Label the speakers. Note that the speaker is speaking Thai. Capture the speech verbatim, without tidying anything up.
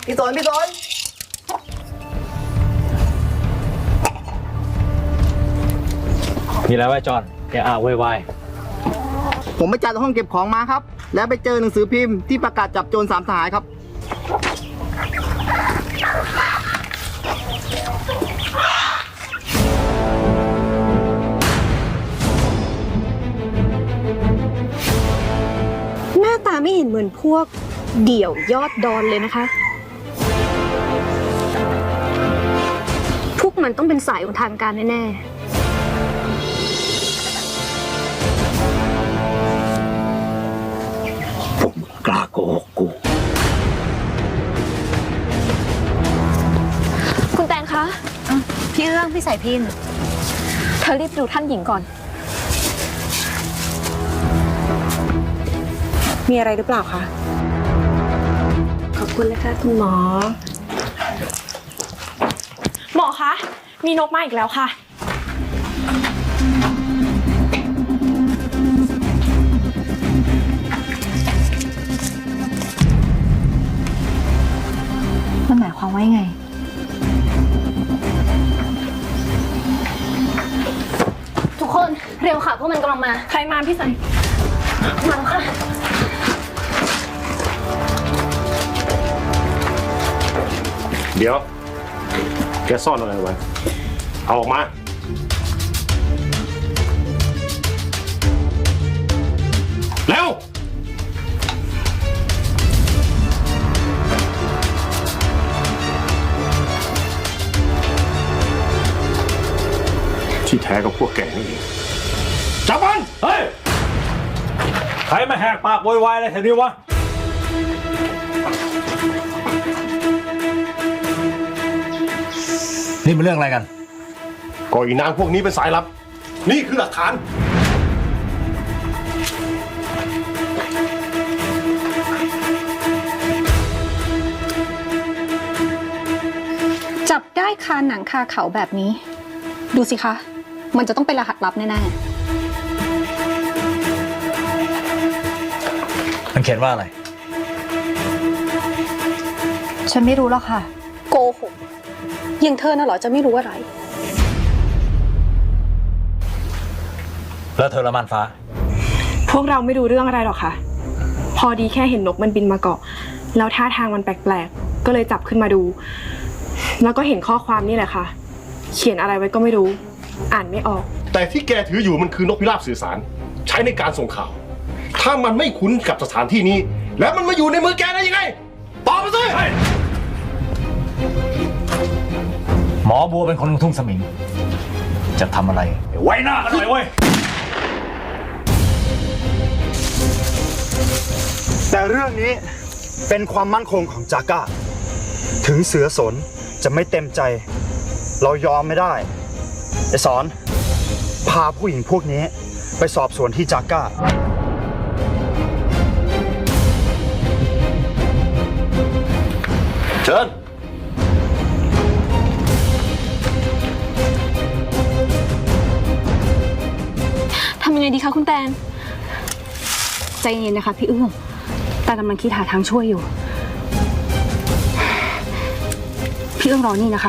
Speaker 1: พี่สนพี่สน
Speaker 2: มีอะไรไว้จอนแกอ่าววาย
Speaker 1: ผมไปจัดห้องเก็บของมาครับ แล้วไปเจอหนังสือพิมพ์ที่ประกาศจับโจรสามสหายครับ
Speaker 3: หน้าตาไม่เห็นเหมือนพวกเดี่ยวยอดดอนเลยนะคะพวกมันต้องเป็นสายของทางการแน่ๆ
Speaker 2: กล้าโกหกกู
Speaker 3: คุณแตนคะ
Speaker 4: พี่เอื้องพี่สายพิน
Speaker 3: เธอรีบดูท่านหญิงก่อน
Speaker 4: มีอะไรหรือเปล่าคะ
Speaker 3: ขอบคุณนะคะคุณหมอ
Speaker 5: หมอคะมีนกมาอีกแล้วค่ะ
Speaker 4: มันหมายความว่ายังไง
Speaker 3: ทุกคนเร็วค่ะพวกมันกำลังมา
Speaker 5: ใครมาพี่สัน
Speaker 3: มาค่ะ
Speaker 6: เดี๋ยวแกซ่อนอะไรไว้เอาออกมาเร็วที่แท้ก็พวกแกนี่เองจับมัน
Speaker 2: เฮ้ยใครมาแหกปากโวยวายอะไรแถวนี้วะนี่มันเรื่องอะไรกัน
Speaker 6: ก็อีนางพวกนี้เป็นสายลับนี่คือหลักฐาน
Speaker 3: จับได้คาหนังคาเขาแบบนี้ดูสิคะมันจะต้องเป็นรหัสลับแน่
Speaker 2: ๆมันเขียนว่าอะไร
Speaker 4: ฉันไม่รู้หรอกค่ะ
Speaker 3: โกหกยังเธอน่ะเหรอจะไม่รู้อะไร
Speaker 2: แล้วเธอละมันฟ้า
Speaker 5: พวกเราไม่รู้เรื่องอะไรหรอกค่ะพอดีแค่เห็นนกมันบินมาเกาะแล้วท่าทางมันแปลกๆก็เลยจับขึ้นมาดูแล้วก็เห็นข้อความนี่แหละค่ะเขียนอะไรไว้ก็ไม่รู้อ่านไม่ออก
Speaker 6: แต่ที่แกถืออยู่มันคือนกพิราบสื่อสารใช้ในการส่งข่าวถ้ามันไม่คุ้นกับสถานที่นี้แล้วมันมาอยู่ในมือแกได้ยังไงตอบมาสิ
Speaker 2: หมอบัวเป็นคนทุ่งสมิงจะทำอะไรไว้หน้ากันหน่อยเว้ย
Speaker 7: แต่เรื่องนี้เป็นความมั่นคงของจาก้าถึงเสือสนจะไม่เต็มใจเรายอมไม่ได้ไอ้สอนพาผู้หญิงพวกนี้ไปสอบสวนที่จาก้า
Speaker 6: เชิญ
Speaker 3: ทำยังไงดีคะคุณแตนใจเย็นนะคะพี่เอื้องแต่กำลังคิดหาทางช่วยอยู่พี่เอื้องรอนี่นะคะ